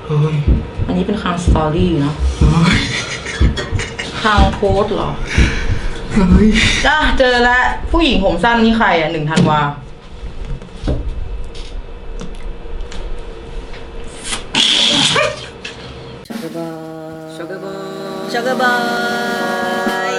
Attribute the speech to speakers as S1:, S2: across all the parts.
S1: อันนี้เป็นคางสตอรี่เนาะคางโพสเหรอจ้าเจอแล้วผู้หญิงผมสั้นนี่ใครอ่ะ1 ธันวาช็อกโกบายช็อกโกบายช็อกโกบาย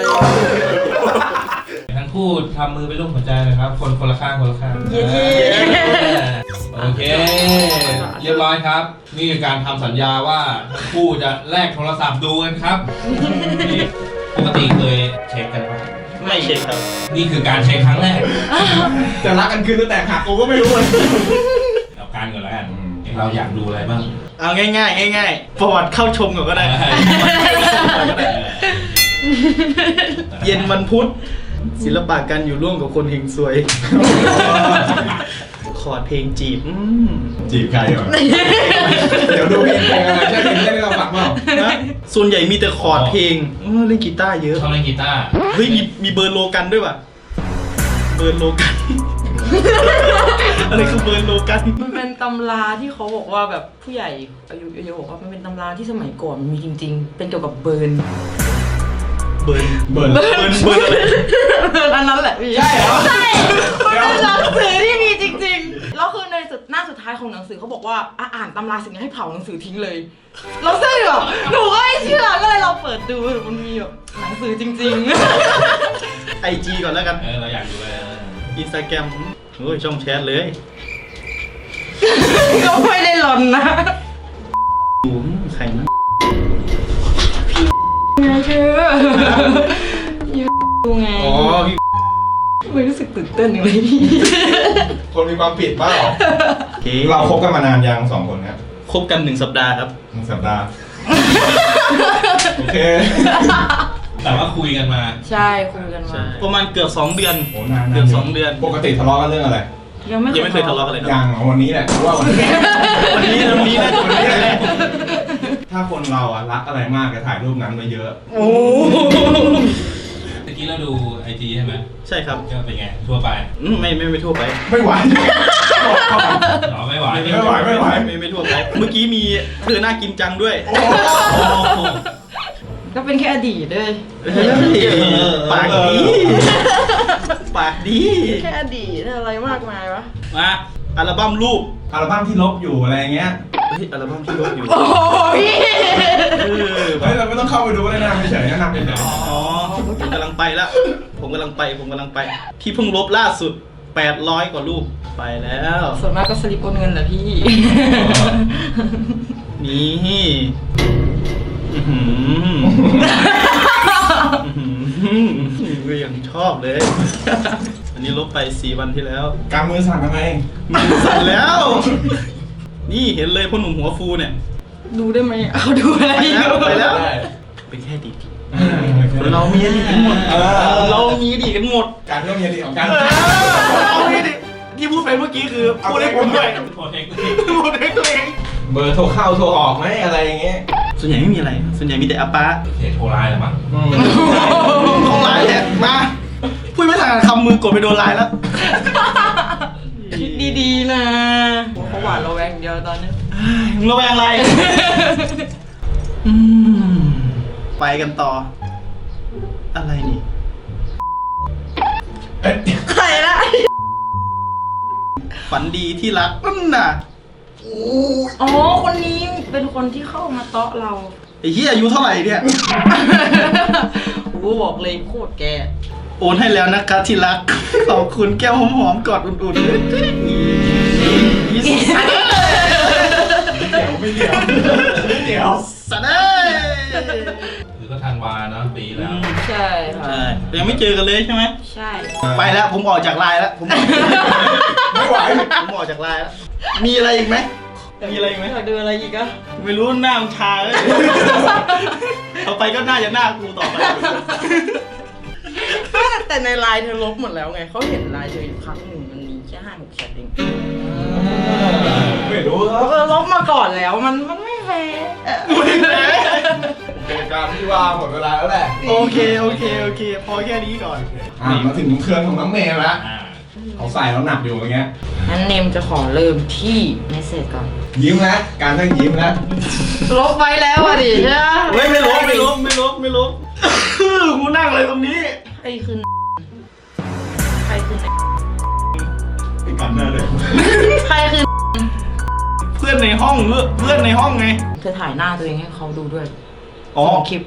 S2: ทั้งคู่ทำมือเป็นรูปหัวใจเลยครับคนละข้าง
S1: เย้
S2: โอเคเรียบร้อยครับนี่คือการทำสัญญาว่าทั้งคู่จะแลกโทรศัพท์ดูกันครับปกติเคยเช็คกันปะ
S3: ไม่เช็คครับ
S2: นี่คือการเช็คครั้งแรก
S3: จะรักกันคืนตั้งแต่หักกูก็ไม่รู้เลย
S2: เอาการก่อนแล้วกันเราอยากดูอะไรบ้าง
S3: เอาง่ายประวัติเข้าชมก่อนก็ได้เย็นวันพุธศิลปะการอยู่ร่วมกับคนเฮงซวยคอร์ดเพลงจีบ
S4: ใครเหรอเดี๋ยวดูเพลงอะไรใช่เพลงที่เราฟังเปล่า
S3: ส่วนใหญ่มีแต่คอร์ดเพลงเล่นกีตาร์เยอะ
S2: ชอบเล่นกีตาร์
S3: เฮ้ยมีเบิร์นโลกันด้วยป่ะเบิร์นโลกันอะไรคือเบิร์นโลกัน
S1: มันเป็นตำราที่เขาบอกว่าแบบผู้ใหญ่อายุเยอะบอกว่ามันเป็นตำราที่สมัยก่อนมันมีจริงๆเป็นเกี่ยวกับเบิร์นอะไรอันนั้นแหละพี่
S4: ใช่เหรอ
S1: ใช่มันเป็นหนังสือที่มีจริงๆแล้วคือในหน้าสุดท้ายของหนังสือเขาบอกว่าอ่านตำราสิ่งนี้ให้เผาหนังสือทิ้งเลยเราเชื่อแบบหนูก็ไม่เชื่อก็เลยเราเปิดดูมันมีแบบหนังสือจริง
S3: ๆIG ก่อนแล้วกัน
S2: เราอยากดูเลย
S3: Instagram โอ้ยช่องแชทเลย
S1: ก็ไม่ได้หลอนนะ
S3: ดูใครนะ
S1: ไงคือดูไง
S3: อ๋อพี่
S1: ไม่รู้สึกตื่นเต้นอย่างไรพี่
S4: คนมีความผิดเปล่าเราคบกันมานานยัง2 คนครับ
S3: คบกัน1 สัปดาห์ครับ
S4: 1 สัปดาห์โอเค
S2: แต่ว่าคุยกันมา
S1: ใช่คุยกันมา
S3: ประมาณเกือบ2 เดือน
S4: โอ้นาน
S3: เกือบ2 เดือน
S4: ปกติทะเลาะกันเรื่องอะไร
S1: ยังไม่เคย
S3: ทะเลาะกันเลย
S4: ยังวันนี้แหละว่าวันนี้น่าจะวันนี้แหละถ้าคนเรารักอะไรมากจะถ่ายรูปนั้นไปเยอะ
S3: โอ้
S2: เมื่อกี้เราดู IG ใช่ไหม
S3: ใช่ครับ
S2: ก็เป็นไงทั่วไป
S3: ไม่ทั่วไป
S4: ไม่ไหว
S2: ไม่ไหว
S3: ไม่ทั่วไปเมื่อกี้มีเธอน่ากินจังด้วย
S1: ก็เป็นแค่อดีตเลย
S3: ปากดี
S1: แค่อดีตอะไรมากมายวะ
S3: มาอัลบั้มรูป
S4: อัลบั้มที่ลบอยู่อะไรเงี้ย
S3: อัลบั้มที่ลบอยู่
S1: โอ้ย
S4: เราไม่ต้องเข้าไปดูเลยนะไม่เฉยนะนำ
S3: อ๋อผมกำลังไปแล้วผมกำลังไปที่เพิ่งลบล่าสุด800 กว่ารูปไปแล้ว
S1: ส่วนมากก็สลิปโอนเงินแหละพี่
S3: นี่ก็ยังชอบเลยอันนี้ลบไป4 วันที่แล้ว
S4: กำมือสั่นทำไม
S3: มือสั่นแล้วนี่เห็นเลยพ่อหนุ่มหัวฟูเนี่ย
S1: ดูได้ไหมเอาดูอะไร
S3: ไปแล้วเป็นแค่ดีเรามีอดีตกันหมด
S4: การเรื่องมีอดีตของการ
S3: ที่พูดไปเมื่อกี้คือพูดให้ผมด้วยพูดให้ตัวเอง
S4: เบอร์โทรเข้าโทรออกไหมอะไรอย่างเงี้ย
S3: ส่วนใหญ่ไม่มีอะไรส่วนใหญ่มีแต่อาป้า
S2: โทรไลน์หรือมั้ง
S3: โทรไลน์เนี่ยมาพูดไม่ทันคำมือกดไปโดนไลน์แล้ว
S1: คิดดีๆนะเขาหวานเราแวงเดียวตอนนี้
S3: มึงระแวงอะไรไปกันต่ออะไรนี่
S1: ใครละ
S3: ฝันดีที่รักนั่นน่ะ
S1: อ๋อคนนี้เป็นคนที่เข้ามาเตาะเรา
S3: ไอ้เหี้ยอายุเท่าไหร่เนี่ย
S1: กูบอกเลยโคตรแก
S3: โอนให้แล้วนะคะที่รักขอบคุณแก้วหอมๆกอดอุ่นๆ
S4: ไม่เดี๋ยว
S3: สัตว์เอ้ย
S2: คือก็ธันวาเนาะปีแล้ว
S1: ใช่ค่ะ
S3: ยังไม่เจอกันเลยใช่ไหม
S1: ใช่
S3: ไปแล้วผมออกจากไลน์แล้ว
S4: ไม่ไหว
S3: ผมออกจากไลน์แล้วมีอะไรอีกไหม
S1: อยากดูอะไรอีกอะ
S3: ไม่รู้หน้ามึงชาเลยต่อไปก็น่าจะหน้ากูต่อไป
S1: แต่ในไลน์เธอลบหมดแล้วไงเขาเห็นไลน์เธออยู่ครั้งหนึ่งมันมีแค่5-6 แชทเอง
S4: ไม่รู้
S1: ลบมาก่อนแล้วมันไม่แฟร์
S4: เป็นการที่ว่าหมดเวลาแล้วแหละ
S3: โอเคพอแค่นี้ก่อน
S4: มาถึงเครื่องของน้องเมย์แล้วเขาใส่แล้วหนักอยู่อย่างเงี้ย
S1: งั้นเนมจะขอเริ่มที่เมสเซจก่อน
S4: ยิ้มแล้วการต้องยิ้มแล้ว
S1: ลบไว้แล้วอ่ะดิใช่ไหม
S3: เฮ้ยไม่ลบกูนั่งเลยตรงนี้
S1: ใครคือใครคือ
S4: ไอ้กันหน้าเลย
S1: ใครคือ
S3: เพื่อนในห้องไง
S1: เธอถ่ายหน้าตัวเองให้เขาดูด้วย
S3: อ๋อ
S1: ส่งคลิป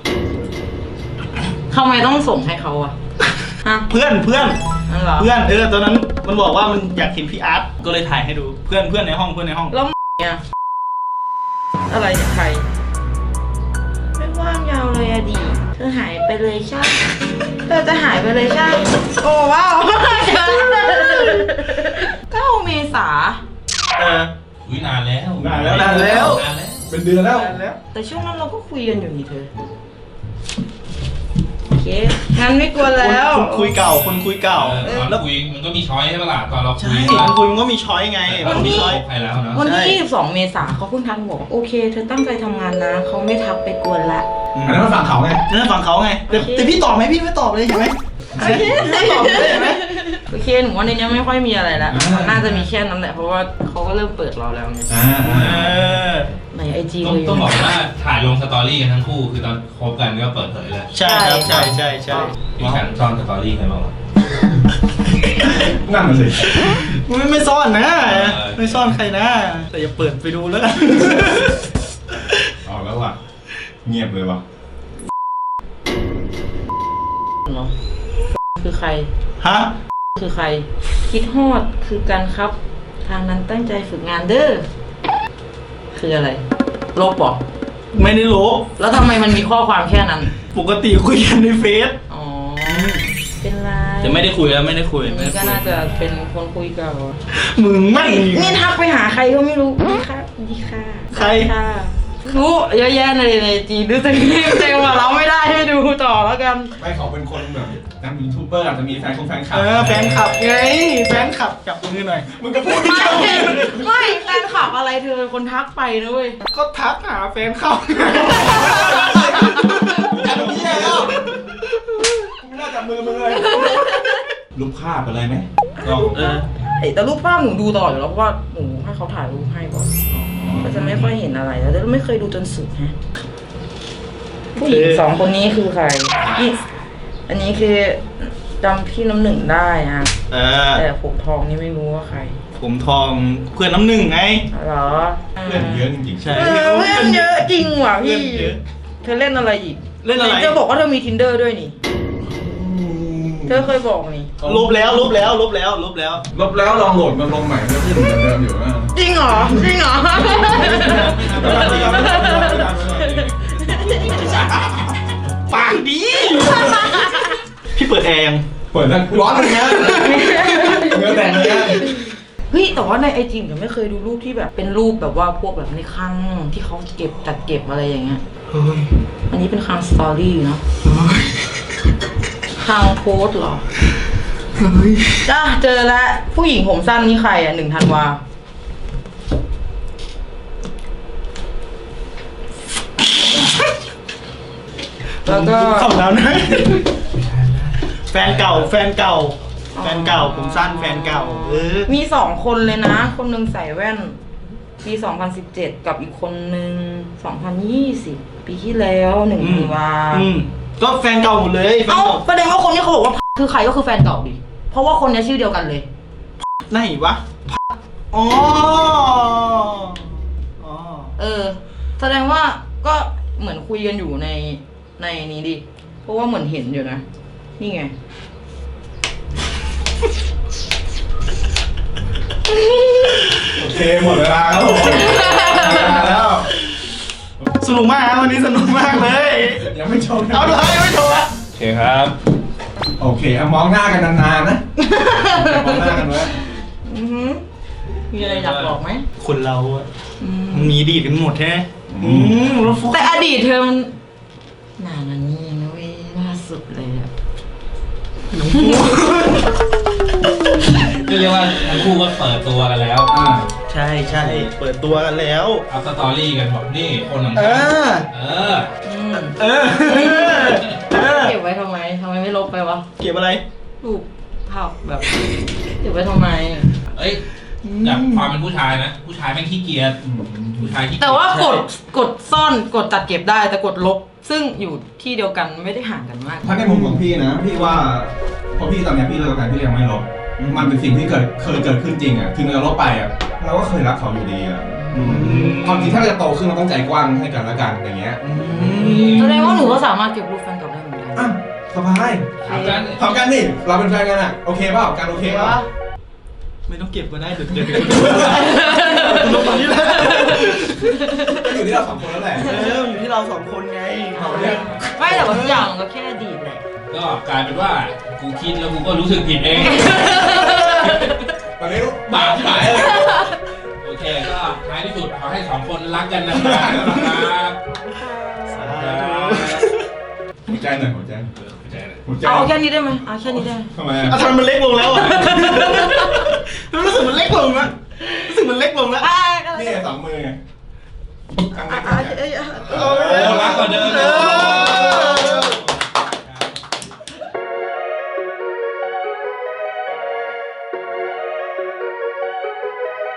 S1: ทำไมต้องส่งให้เขาอะฮะ
S3: เพื่อน
S1: นั่นเหรอ
S3: ตอนนั้นมันบอกว่ามันอยากเห็นพี่อาร์ตก็เลยถ่ายให้ดูเพื่อนในห้อง
S1: แล้วเนี่ยอะไรเนี่ยใครไม่ว่างยาวเลยอะดิเธอหายไปเลยใช่เธอจะหายไปเลยใช่โอ้ว้าว9 เมษา
S2: อุ้ยนานแล้ว
S3: นานแล้ว
S4: เป็นเดือนแล้ว
S1: แต่ช่วงนั้นเราก็คุยกันอยู่นี่เธอโอเคงั้นไม่กลัวแล้ว
S3: คนคุยเก่า
S2: ตอนคุยมันก็มีช้อยใช่ปะล่ะตอนเราคุ
S3: ใช่
S2: ย
S3: คนคุยมันก็มีช้อยไง
S1: วันนี้
S3: มีช้อย
S2: ใครแล้วเนาะ
S1: วัน
S3: ใช่
S1: ที่22 เมษาเขาเพิ่งทักบอกว่าโอเค เธอตั้งใจทำงานนะเขาไม่ทักไปกวนละ
S4: อันนั้นมาฝั่งเขาไง
S3: นั่นฝั่งเขาไงแต่พี่ตอบไหมพี่ไม่ตอบเลยใช่ไหมไม่ตอบเลยใช่ไหม
S1: โอเคหนูว่าในนี้ไม่ค่อยมีอะไรแล้วน่าจะมีแค่นั้นแหละเพราะว่าเขาก็เริ่มเปิดเราแล้วไงในไอจี
S2: ต้อง
S1: เลย
S2: ต้องบอกว่าถ่ายลงสตอรี่กันทั้งคู่คือตอนคบกันก็เปิดเผยเลย
S3: ใช่ครับใช่
S2: มีการซ่อนสตอรี่ใครบ้างวะ
S4: นั่นน่ะสิ
S3: ไม่ซ่อนนะไม่ซ่อนใครนะแต่อย่าเปิดไปดูแล้ว
S4: เอาแล้วว่ะเงียบเลยว่ะ
S1: เหรอคือใคร
S3: ฮะ
S1: คือใครคิดฮอดคือการครับ ทางนั้นตั้งใจฝึกงานเด้อคืออะไรลบเหรอ
S3: ไม่ได้ลบ
S1: แล้วทำไมมันมีข้อความแค่นั้น
S3: ปกติคุยกันในเฟซ
S1: อ๋อเป็นไร
S3: แต่ไม่ได้คุยแล้วไม่ได้คุย
S1: อันนี้ก็น่าจะเป็นคนคุยเก่า
S3: มึงไม่
S1: นี่ทักไปหาใครก็ไม่รู้ดีค่ะดีค่ะ
S3: ใคร
S1: ค่ะรู้เยอะแยะในจีนดูสิเต็มว่าเราไม่ได้ให้ดูต่อแล้วกัน
S4: ไม่เขาเป็นคนแบบนักยูทูบเบอร์อาจจะมีแฟนคลับ
S3: แฟนคลับไงแฟนคลับจับมือหน่อย
S4: มึงก็พูด
S1: ไม่
S4: ไม่
S1: ไม่แฟนคลับอะไรเธอเป็นคนทักไปนะเว้ย
S3: ก็ทักหาแฟนคลับ
S4: จับมือแล้วไม่น่าจับมือมึงเลยรูปภาพอะไรไหมก็
S1: แต่รูปภาพหนูดูต่ออยู่แล้วเพราะว่าหนูให้เขาถ่ายรูปให้ก่อนก็จะไม่ค่อยเห็นอะไรแล้วแต่ไม่เคยดูจนสุดฮะผู้หญิง2 คนนี้คือใครอันนี้คือจำพี่น้ำหนึ่งได้นะแต่ผมทองนี่ไม่รู้ว่าใคร
S3: ผมทองเพื่อนน้ำหนึ่งไง
S1: เหรอ
S4: เพื่อนเยอะจริงๆ
S3: ใช่
S1: เพื่อนเยอะจริงว่ะพี่
S3: เพื่อนเยอะ
S1: เธอเล่นอะไรอีก
S3: เล่นอะไร
S1: เธอบอกว่าเธอมี Tinder ด้วยนี่เธอเคยบอกนี่
S3: ลบแล้ว
S4: ลบแล้วลองโหลดมาลงใหม่ก็ขึ้นเหมือนเดิมอยู่นะ
S1: จริงเหรอจริงเหรอ
S3: ปากดี พี่เปิดแอร์ยัง
S4: เปิดแล้วร้อนเลยนะเนื้อแต่งเลยนะ
S1: เฮ้ยแต่ว่าในไอจีผมไม่เคยดูรูปที่แบบเป็นรูปแบบว่าพวกแบบในคลังที่เขาเก็บจัดเก็บอะไรอย่างเงี้ย
S3: เฮ้ย
S1: อันนี้เป็นคลังสตอรี่เนาะคลังโพสต์เหรอจ้าเจอแล้วผู้หญิงผมสั้นนี่ใครอ่ะ1 ธันวาแล้วก็
S3: เข้าแล้วนะแฟนเก่าผมสั้นแฟนเก่า
S1: มี 2 คนเลยนะ คนหนึงใส่แว่นปี 2017 กับอีกคนหนึง2020 ปีที่แล้ว1 ธันวา
S3: ก็แฟนเก่าหมดเลยแฟน
S1: เอ้า
S3: เก่า
S1: ประเด็นว่าคนที่เขาบอกว่าคือใครก็คือแฟนเก่าดิเพราะว่าคนนี้ชื่อเดียวกันเลย
S3: ไหนวะอ๋อ
S1: แสดงว่าก็เหมือนคุยกันอยู่ในนี้ดิเพราะว่าเหมือนเห็นอยู่นะนี่ไง
S4: โอเคหมดเวลาครับผมแล้ว
S3: สนุกมากนะวันนี้สนุกมากเลย
S4: ยังไม่ชม
S3: เอาเลยยังไม่โทรอะ
S2: โอเคครับ
S4: โอเคมองหน้ากันนานๆนะมองหน้ากันไว้
S1: อือหือมีอะไรอยากบอกไหม
S3: คนเราอะ
S1: อืม
S3: มันมีอดีตกันหมดแท้แล้วฟุก
S1: แต่อดีตเธอมันนานแล้วนี่นะเว้ยล่าสุดเลยอะ
S2: เรียกว่าทั้งคู่ก็เปิดตัวกันแล้ว
S3: ใช่เปิดตัวกันแล้ว
S2: อัพสตอรี่กันบอกนี่คนของ
S3: เอ
S2: ฉัน
S3: อ
S1: เก็บไว้ทำไมไม่ลบไปวะ
S3: เก็บอะไร
S1: รูปภาพแบบเก็บไว้ทำไม
S2: เอ้ยจากความเป็นผู้ชายนะ ผู้ชายแม่งขี้เกียจผู้ชายขี้เกียจ
S1: แต่ว่ากดซ่อนกดจัดเก็บได้แต่กดลบ ซึ่งอยู่ที่เดียวกันไม่ได้ห่างกันมาก
S4: ถ้าในมุมของพี่นะ พี่ว่าพอพี่ตอนเนี้ยพี่เลิกกันพี่ยังไม่ลบ มันเป็นสิ่งที่เคยเกิดขึ้นจริงอ่ะถึงเราลบไปอ่ะเราก็เคยรักเขาอยู่ดีอ่ะความจริงถ้าเราจะโตขึ้นเราต้องใจกว้างให้กันและกันอย่างเงี้ย
S1: แสดงว่าหนูก็สามารถเก็บรูปแฟนเก่าได้เหมือนกัน
S4: อ่ะสบาย
S2: ทำกัน
S4: ทำกันนี่เราเป็นแฟนกันอ่ะโอเคเปล่าการโอเคเปล่า
S3: ไม่ต้องเก็บก็ได้เดี๋ยวลงตอนนี้แหละ
S4: ก็อยู่ที่เราสองคนแล้วแหละ
S3: อยู่ที่เราสองคนไง
S4: เอาเนี่ย
S1: ไม่แต่ว่าทุกอย่างก็แค่อดีตแหละ
S2: ก็กลายเป็นว่ากูคิดแล้วกูก็รู้สึกผิดเอง
S4: ตอนนี้
S2: บาปหายเลยโอเคก็ท้ายที่สุดขอให้สองคนรักกันนะครับ
S4: หัวใจหน่อยหัวใจ
S2: เข้าใจเลย
S4: หัวใจ
S1: เอาแค่นี้ได้ไหมเอาแค่นี้ได้ไหม
S4: ทำไมอ่ะ
S3: ทำไมมันเล็กลงแล้วอ่ะมันรู้สึกมันเล็กลงอ่ะรู้สึกมันเล็กลงแล้ว
S4: นี่ไงสองมือไงครั้งแรก
S2: โอ้รักกว่าเดิม